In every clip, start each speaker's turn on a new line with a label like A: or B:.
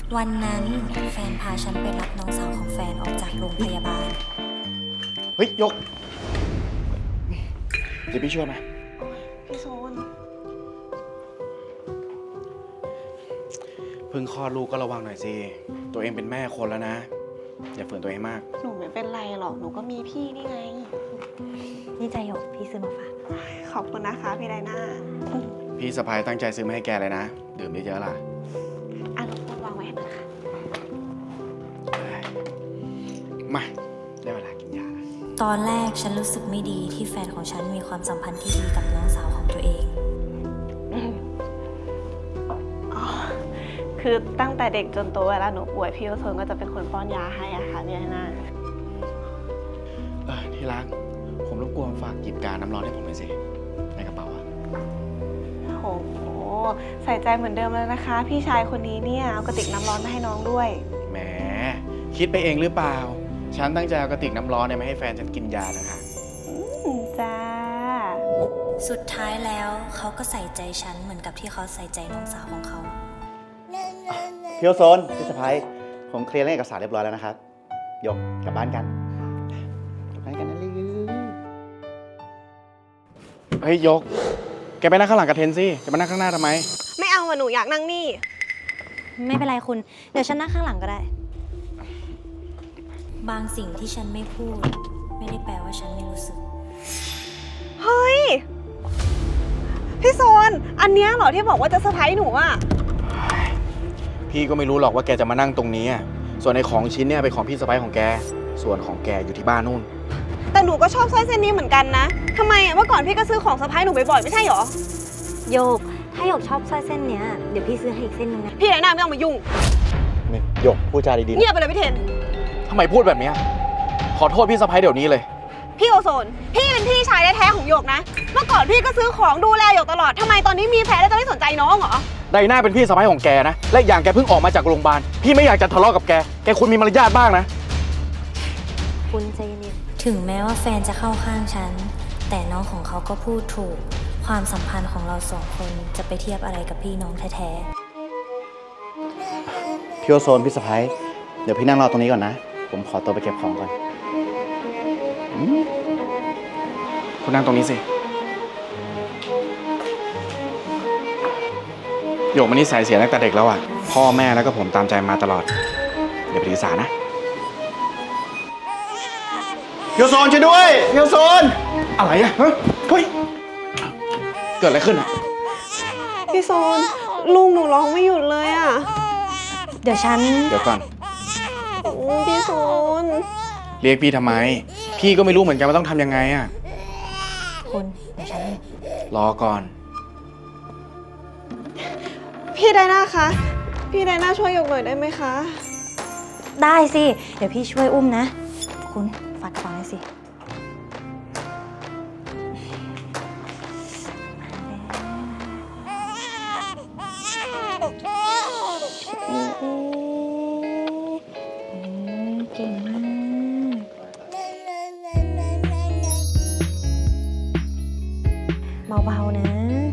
A: วันนั้นแฟนพาฉันไปรับน้องสาวของแฟนออกจากโรงพยาบาล
B: เฮ้ย ยก เดี๋ยวพี่ช่วยไหม
C: พี่โซน
B: เพิ่งคลอดลูกก็ระวังหน่อยสิ ตัวเองเป็นแม่คนแล้วนะ อย่าฝืนตัวเองมาก
C: หนูไม่เป็นไรหรอก หนูก็มีพี่นี่ไง
A: นี่ใจหยกพี่ซื้อมาฝาก
C: ขอบคุณนะคะพี่ไดน่า
B: พี่สะพายตั้งใจซื้อมาให้แกเลยนะ ดื่มเยอะๆล่ะ
C: อ่ะหนูวางไว้ให้หน่อยค่ะ
B: มาได้เวลากินยาแล้ว
A: ตอนแรกฉันรู้สึกไม่ดีที่แฟนของฉันมีความสัมพันธ์ที่ดีกับน้องสาวของตัวเอง
C: อ๋อ คือตั้งแต่เด็กจนโตเวลาหนูป่วยพี่โอโซนก็จะเป็นคนป้อนยาให้อะค่ะพี่ไดน่า
B: ที่รัก ผมรบกวนฝากหยิบกาน้ำร้อนให้ผมหน่อยสิ ในกระเป๋าอะ
C: โอ้โห ใส่ใจเหมือนเดิมแล้วนะคะ พี่ชายคนนี้เนี่ยเอากระติกน้ำร้อนมาให้น้องด้วย
B: แหม คิดไปเองหรือเปล่า ฉันตั้งใจเอากระติกน้ำร้อนเนี่ยมาให้แฟนฉันกินยานะคะ
C: จ้า
A: สุดท้ายแล้วเขาก็ใส่ใจฉันเหมือนกับที่เขาใส่ใจน้องสาวของเขา
D: พี่โอโซนพี่สะพ้ายผมเคลียร์เรื่องเอกสารเรียบร้อยแล้วนะครับยกกลับบ้านกันกลับบ้านกันนะลือ
B: เฮ้ย ยก แกไปนั่งข้างหลังกับเทนสิ จะมานั่งข้างหน้าทำไม
C: ไม่เอาอะหนูอยากนั่งนี่
A: ไม่เป็นไรคุณ เดี๋ยวฉันนั่งข้างหลังก็ได้ บางสิ่งที่ฉันไม่พูด ไม่ได้แปลว่าฉันไม่รู้สึก
C: เฮ้ย พี่โซน อันเนี้ยเหรอที่บอกว่าจะเซอร์ไพรส์หนูอะ
B: พี่ก็ไม่รู้หรอกว่าแกจะมานั่งตรงนี้อะส่วนในของชิ้นเนี่ยเป็นของพี่สะใภ้ของแก ส่วนของแกอยู่ที่บ้านนู่น
C: แต่หนูก็ชอบสร้อยเส้นนี้เหมือนกันนะทำไมอะเมื่อก่อนพี่ก็ซื้อของเซอร์ไพรส์หนูบ่อยๆไม่ใช่หรอ
A: โยก ถ้าโยกชอบสร้อยเส้นเนี้ย เดี๋ยวพี่ซื้อให้อีกเส้นนึงนะ
C: พี่ไหนหน้าไม่ต้องมายุ่ง
D: นี่ยกพูดจาดีๆ
C: เงียบไปเลยพี่เทน
B: ทำไมพูดแบบเนี้ยขอโทษพี่สะใภ้เดี๋ยวนี้เลย
C: พี่โอโซน พี่เป็นพี่ชายแท้ๆของหยกนะ เมื่อก่อนพี่ก็ซื้อของดูแลหยกตลอดทำไมตอนนี้มีแฟนแล้วจะไม่สนใจน้องเหรอ
B: ไดน่าเป็นพี่สะใภ้ของแกนะ และอย่างแกเพิ่งออกมาจากโรงพยาบาล พี่ไม่อยากจะทะเลาะกับแก แกควรมีมารยาทบ้างนะ
A: คุณใจเย็นถึงแม้ว่าแฟนจะเข้าข้างฉัน แต่น้องของเขาก็พูดถูก ความสัมพันธ์ของเราสองคนจะไปเทียบอะไรกับพี่น้องแท้ๆ
D: พี่โอโซนพี่สะพ้ายเดี๋ยวพี่นั่งรอตรงนี้ก่อนนะ ผมขอตัวไปเก็บของก่อน
B: คุณนั่งตรงนี้สิโยกมันนิสัยเสียตั้งแต่เด็กแล้วอ่ะ พ่อแม่แล้วก็ผมตามใจมาตลอดอย่าไปถือสานะพี่โอโซนช่วยด้วยพี่โอโซนอะไรอ่ะเฮ้ยเกิดอะไรขึ้นอ่ะ
C: พี่โซนลุงหนูร้องไม่หยุดเลยอะ
A: เดี๋ยวฉัน
B: เดี๋ยวก่อน
C: พี่โซน
B: เรียกพี่ทำไม พี่ก็ไม่รู้เหมือนกันว่าต้องทำยังไงอ่ะ
A: คุณ เดี๋ยวฉัน
B: รอก่อน
C: พี่ไดน่าคะ พี่ไดน่าช่วยหยกหน่อยได้ไหมคะ
A: ได้สิ เดี๋ยวพี่ช่วยอุ้มนะ คุณฝากกระเป๋าหน่อยสิ เก่งมาก เบาๆนะ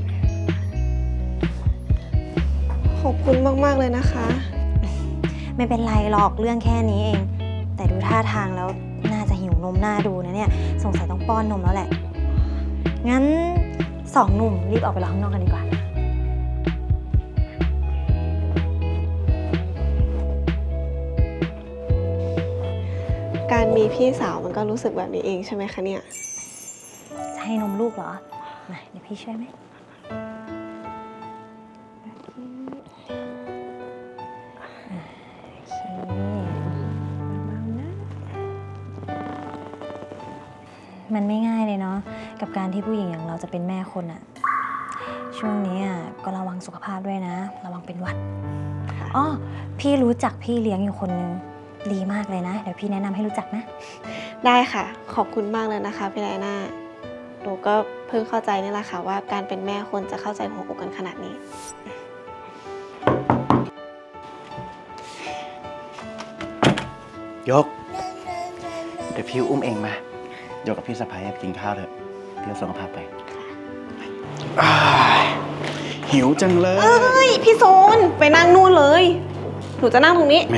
C: ขอบคุณมากๆเลยนะคะ
A: ไม่เป็นไรหรอกเรื่องแค่นี้เอง แต่ดูท่าทางแล้วน่าจะหิวนมหน้าดูนะเนี่ย สงสัยต้องป้อนนมแล้วแหละ งั้นสองหนุ่มรีบออกไปรอข้างนอกกันดีกว่า
C: การมีพี่สาวมันก็รู้สึกแบบนี้เองใช่ไหมคะเนี่ย
A: จะให้นมลูกเหรอ มาเดี๋ยวพี่ช่วยไหมโอเคเบาๆนะ มันไม่ง่ายเลยเนาะกับการที่ผู้หญิงอย่างเราจะเป็นแม่คนอะช่วงนี้ก็ระวังสุขภาพด้วยนะ ระวังเป็นหวัดอ้อพี่รู้จักพี่เลี้ยงอยู่คนนึงดีมากเลยนะ เดี๋ยวพี่แนะนำให้รู้จักนะ
C: ได้ค่ะ ขอบคุณมากเลยนะคะพี่ไดน่าหนูก็เพิ่งเข้าใจนี่แหละค่ะว่าการเป็นแม่คนจะเข้าใจหัวอกกันขนาดนี้
D: ยก เดี๋ยวพี่อุ้มเองมาโยกกับพี่สะพ้ายไปกินข้าวเถอะพี่โอโซนก็พาไป
B: หิวจังเลย
C: เอ้ย พี่โซนไปนั่งนู่นเลยหนูจะนั่งตรงนี้
B: แหม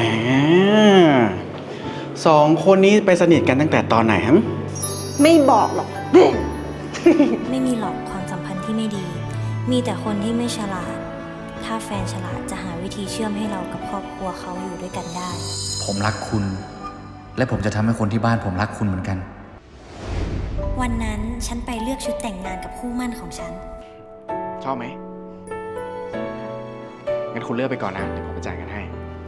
B: สองคนนี้ไปสนิทกันตั้งแต่ตอนไหนฮะ
C: ไม่บอกหรอก
A: ไม่มีหรอกความสัมพันธ์ที่ไม่ดี มีแต่คนที่ไม่ฉลาด ถ้าแฟนฉลาดจะหาวิธีเชื่อมให้เรากับครอบครัวเขาอยู่ด้วยกันได้
E: ผมรักคุณ และผมจะทำให้คนที่บ้านผมรักคุณเหมือนกัน
A: วันนั้นฉันไปเลือกชุดแต่งงานกับคู่หมั่นของฉัน
B: ชอบไหม งั้นคุณเลือกไปก่อนนะ เดี๋ยวผมไปจ่ายกันให้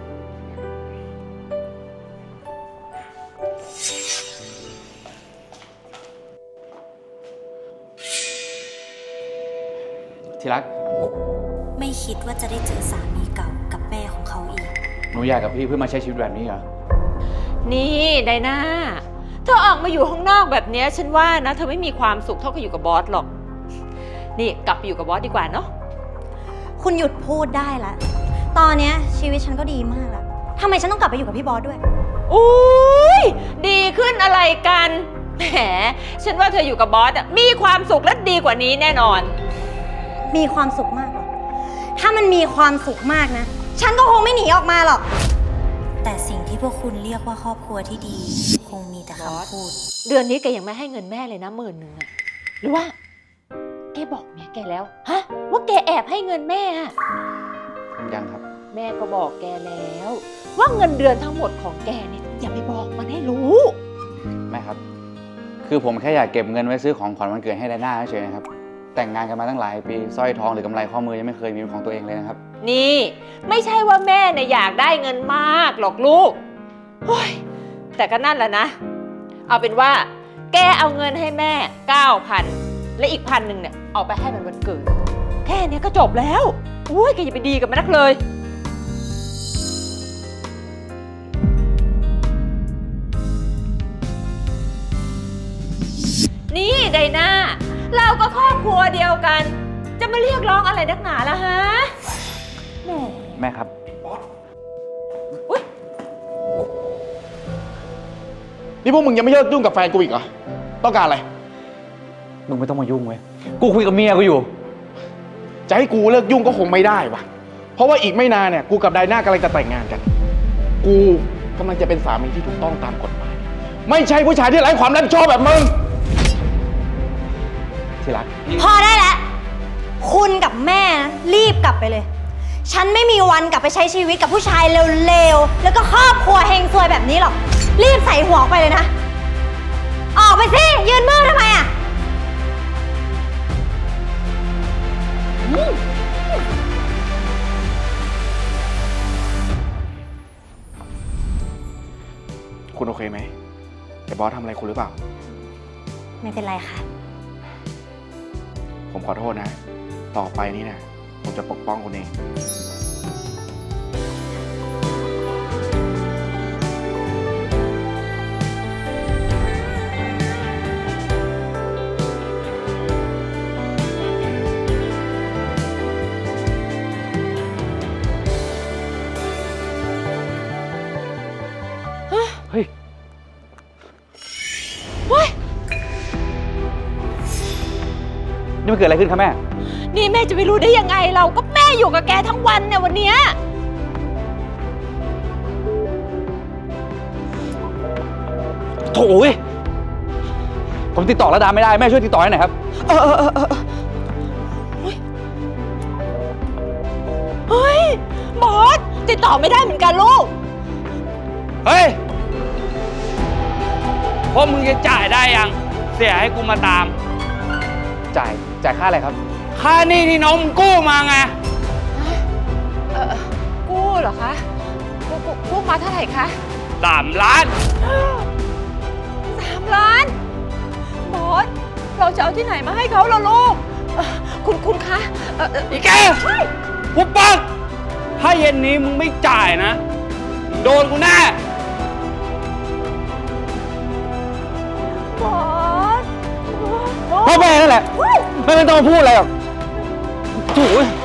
E: ที่รัก
A: ไม่คิดว่าจะได้เจอสามีเก่ากับแม่ของเขาอีก
E: หนูอยากกับพี่เพื่อมาใช้ชีวิตแบบนี้เหรอ
F: นี่ไดนาเธอออกมาอยู่ข้างนอกแบบเนี้ยฉันว่านะเธอไม่มีความสุขเท่ากับอยู่กับบอสหรอก นี่กลับไปอยู่กับบอสดีกว่าเนาะ
A: คุณหยุดพูดได้ละ ตอนเนี้ยชีวิตฉันก็ดีมากแล้วทำไมฉันต้องกลับไปอยู่กับพี่บอสด้วย
F: อุ้ยดีขึ้นอะไรกัน แหม ฉันว่าเธออยู่กับบอสอะมีความสุขและดีกว่านี้แน่นอน
A: มีความสุขมากหรอ ถ้ามันมีความสุขมากนะ ฉันก็คงไม่หนีออกมาหรอก แต่สิ่งที่พวกคุณเรียกว่าครอบครัวที่ดี คงมีแต่คำพูด
F: เดือนนี้แกยังไม่ให้เงินแม่เลยนะ10,000อะหรือว่า แกบอกเมียแกแล้ว ฮะ ว่าแกแอบให้เงินแม่อะ
E: ยังครับ
F: แม่ก็บอกแกแล้ว ว่าเงินเดือนทั้งหมดของแกเนี่ยอย่าไปบอกมันให้รู้
E: แม่ครับ คือผมแค่อยากเก็บเงินไว้ซื้อของขวัญวันเกิดให้ไดน่าเฉยๆนะครับ แต่งงานกันมาตั้งหลายปีสร้อยทองหรือกำไรข้อมือยังไม่เคยมีเป็นของตัวเองเลยนะครับ
F: นี่ไม่ใช่ว่าแม่เนี่ยอยากได้เงินมากหรอกลูกโอ้ยแต่ก็นั่นแหละนะ เอาเป็นว่า แกเอาเงินให้แม่ 9,000 และอีก1,000เนี่ยเอาไปให้มันวันเกิด แค่เนี้ยก็จบแล้วโอ้ยแกอย่าไปดีกับมันนักเลย นี่ไดนาเราก็ครอบครัวเดียวกัน จะมาเรียกร้องอะไรนักหนาล่ะฮะแหม
E: แม่ครับ
B: นี่พวกมึงยังไม่เลิกยุ่งกับแฟนกูอีกเหรอ ต้องการอะไร
E: มึงไม่ต้องมายุ่งเว้ย กูคุยกับเมียกูอยู่
B: จะให้กูเลิกยุ่งก็คงไม่ได้วะเพราะว่าอีกไม่นานเนี่ย กูกับไดน่ากำลังจะแต่งงานกัน กูกำลังจะเป็นสามีที่ถูกต้องตามกฎหมาย ไม่ใช่ผู้ชายที่ไร้ความรับผิดชอบแบบมึง
E: ที่รัก
A: พอได้แล้ว คุณกับแม่นะรีบกลับไปเลย ฉันไม่มีวันกลับไปใช้ชีวิตกับผู้ชายเร็วๆ แล้วก็ครอบครัวเฮงซวยแบบนี้หรอก รีบใส่หัวออกไปเลยนะ ออกไปสิ ยืนมือทำไมอ่ะ
B: คุณโอเคไหมแต่บอสทำอะไรคุณหรือเปล่า
A: ไม่เป็นไรค่ะ
B: ผมขอโทษนะ ต่อไปนี้นะผมจะปกป้องคุณเอง
E: เฮ้ย นี่มันเกิดอะไรขึ้นครับแม่
F: นี่แม่จะไปรู้ได้ยังไงเราก็แม่อยู่กับแกทั้งวันเนี่ยวันเนี้ย
E: โถ่เว้ยผมติดต่อระดาไม่ได้ แม่ช่วยติดต่อให้หน่อยครับ
F: เฮ้ยบอสติดต่อไม่ได้เหมือนกันลูก
G: เฮ้ยพวกมึงจะจ่ายได้ยัง เสียให้กูมาตาม
E: จ่ายค่าอะไรครับ
G: ค่าหนี้ที่น้องมึงกู้มาไง
F: กู้เหรอคะกู้มาเท่าไหร่คะ
G: 3 ล้าน
F: 3 ล้านบอสเราจะเอาที่ไหนมาให้เขาล่ะลูกคุณคะ
G: อีแกกูปักถ้าเย็นนี้มึงไม่จ่ายนะ โดนกูแน่
F: บอส
E: พ่อแม่นั่นแหละ ไม่ต้องมาพูดอะไรหรอกโถ่เว้ย